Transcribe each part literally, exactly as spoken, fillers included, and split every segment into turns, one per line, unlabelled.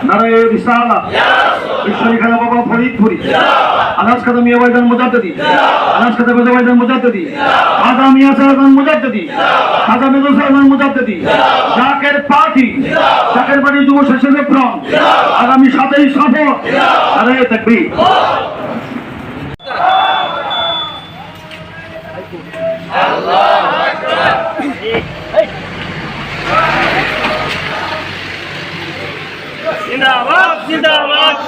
নারায়ে রিসালাত ঈশ্বরী খাজা বাবা ফরিদপুরি আনাস খাজা মিয়া ভাইজান মুজাদ্দিদি আনাস খাজা মিয়া ভাইজান মুজাদ্দিদি খাজা মিয়া সাহেবান মুজাদ্দিদি খাজা মিয়া সাহেবান মুজাদ্দিদি জাকের পার্টি জাকের বাড়ি যুব স্বেচ্ছাসেবক ফ্রন্ট আগামী সাতই সফর নারায়ে তাকবীর। আল্লাহু আকবার। জিন্দাবাদ জিন্দাবাদ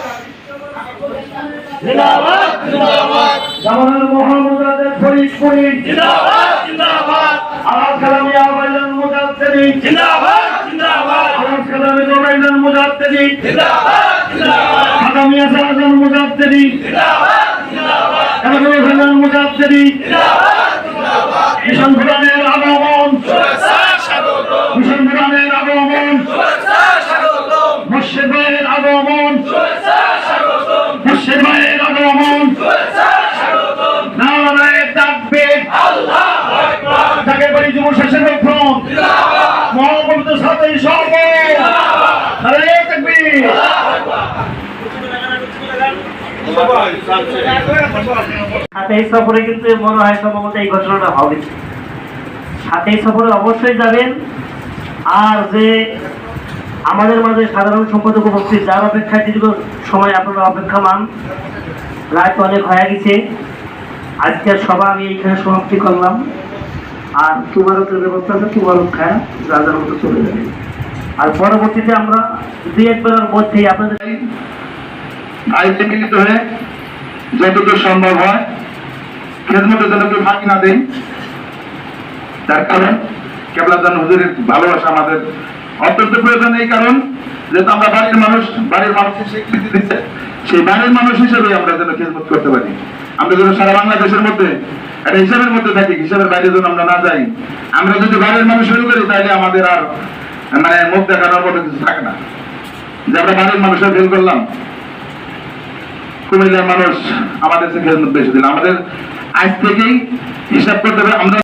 জিন্দাবাদ জিন্দাবাদ জামাল মোহাম্মদ ফরিদপুরি জিন্দাবাদ জিন্দাবাদ আলাস কালামিয়া ভাইজান মুজাদ্দিদি জিন্দাবাদ জিন্দাবাদ আলাস কালামিয়া ভাইজান মুজাদ্দিদি জিন্দাবাদ জিন্দাবাদ খাজা মিয়া সাহেবান মুজাদ্দিদি জিন্দাবাদ জিন্দাবাদ কালামিয়া ভাইজান মুজাদ্দিদি জিন্দাবাদ জিন্দাবাদ মিশন ভুটানের আগমন শুভেচ্ছা স্বাগতম মিশন ভুটানের আগমন শুভেচ্ছা স্বাগতম মুর্শিদ ভাইয়ের আগমন শুভেচ্ছা স্বাগতম মুর্শিদ ভাইয়ের আগমন শুভেচ্ছা স্বাগতম নারায়ে তাকবীর আল্লাহু আকবার জাকের বাড়ি যুব স্বেচ্ছাসেবক ফ্রন্ট জিন্দাবাদ মহাপবিত্র সাতই সফর জিন্দাবাদ নারায়ে তাকবীর আল্লাহু আকবার।
সাতই সফরে কিন্তু মনে হয় সম্ভবত এই ঘটনাটা হবে। সাতই সফরে অবশ্যই যাবেন। আর যে আমাদের মাঝে সাধারণ সম্পাদক উপস্থিত যার অপেক্ষায় দীর্ঘ সময় আপনারা অপেক্ষা মান, রাত অনেক হয়ে গেছে। আজকের সভা আমি এইখানে সমাপ্তি করলাম। আর তুবারকের ব্যবস্থা আছে, তুবারক খায় রাজার মতো চলে যাবে। আর পরবর্তীতে আমরা দুই একবারের মধ্যেই আপনাদের
আইতে মিলিত হয়ে যতটুকু সম্ভব হয় খেদমতের জন্য কেউ ফাঁকি না দেই। তার কারণ কেবলাদান হুজুরের ভালোবাসা আমাদের অত্যন্ত প্রয়োজন। এই কারণ যেহেতু আমরা বাড়ির মানুষ, বাড়ির মানুষের স্বীকৃতি দিচ্ছে, সেই বাড়ির মানুষ হিসেবে আমরা যেন খেদমত করতে পারি। আমরা যেন সারা বাংলাদেশের মধ্যে একটা হিসাবের মধ্যে থাকি, হিসাবের বাইরে যেন আমরা না যাই। আমরা যদি বাড়ির মানুষ শুরু করি তাহলে আমাদের আর মানে মুখ দেখানোর মতো কিছু থাকে না, যে আমরা বাড়ির মানুষের ফেল করলাম। কুমিল্লার মানুষ আমাদের খেদমত বেশি দিল। আমাদের আজ থেকেই হিসাব করতে হবে। আমরা